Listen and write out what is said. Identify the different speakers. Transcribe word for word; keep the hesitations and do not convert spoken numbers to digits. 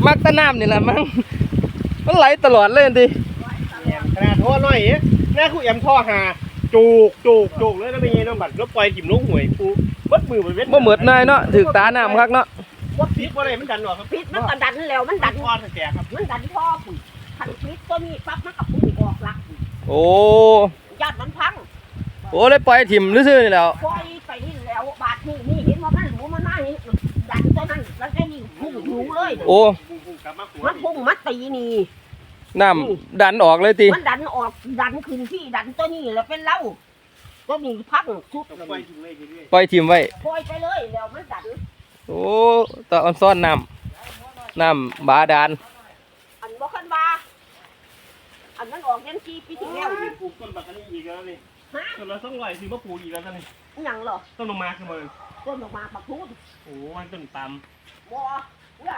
Speaker 1: มักตะน้ำนี่แหละมั้งมันไหลตลอดเลยดิ
Speaker 2: ขนาดท่อน้อยเอ๊ะแม่คู่แอมท่อหาจูกจูกจูกเลยแล้วเป็นไงน้องบัตรแล้วปล่อยกิ่มลูกหวยปูมัดมือไปเว้น
Speaker 1: บ่เหมือดนายเนาะถือตาน้ำคักเนาะ
Speaker 2: ว่าพิษว่าอะไรมันดันหรอครับ
Speaker 3: พิษมันก็ดันแล้วมันดัน
Speaker 2: ท่อแตกครับ
Speaker 3: มันดันท่อปุ๋ยขันพิษตัวนี้ปั๊บมันกับปุ๋ยออกหลัก
Speaker 1: โอ้
Speaker 3: ญาติมันพัง
Speaker 1: โอ้เลยปล่อยถิ่มซื่อๆนี่แล้ว
Speaker 3: ปล่อยไปนี่แล้วบาดนี่นี่เห็นว่ามันหนูมันมานี่ดันตัวนั้นแล้วก็นี่พุ่งหนูเลย
Speaker 1: โอ้
Speaker 3: มันพุ่งมัดตีนี่
Speaker 1: น้ำดันออกเลยตี
Speaker 3: มันดันออกดันขึ้นที่ดันตัวนี้แล้วเป็นเล่าก็มีพังชุด
Speaker 1: ปล่อยถิ่มไว้
Speaker 3: ปล่อยไปเลยแล้วมันดัน
Speaker 1: โอ้ตะออนซ่อนน้ำน้ำบาดาล
Speaker 3: อันบอกขันบาอันนั้นออกยันทีปีที่แล้ว
Speaker 2: ปลูกต้นบักอันนี้อีกแล้วนี่ต้นละสองร้อยซื้อมาปลูกอีกแล้วนี่
Speaker 3: ยังเหรอ
Speaker 2: ต้นลงมาขึ้นมา
Speaker 3: ต้นออกมาปักทุน
Speaker 2: โอ้มันต้นตำ
Speaker 3: บ่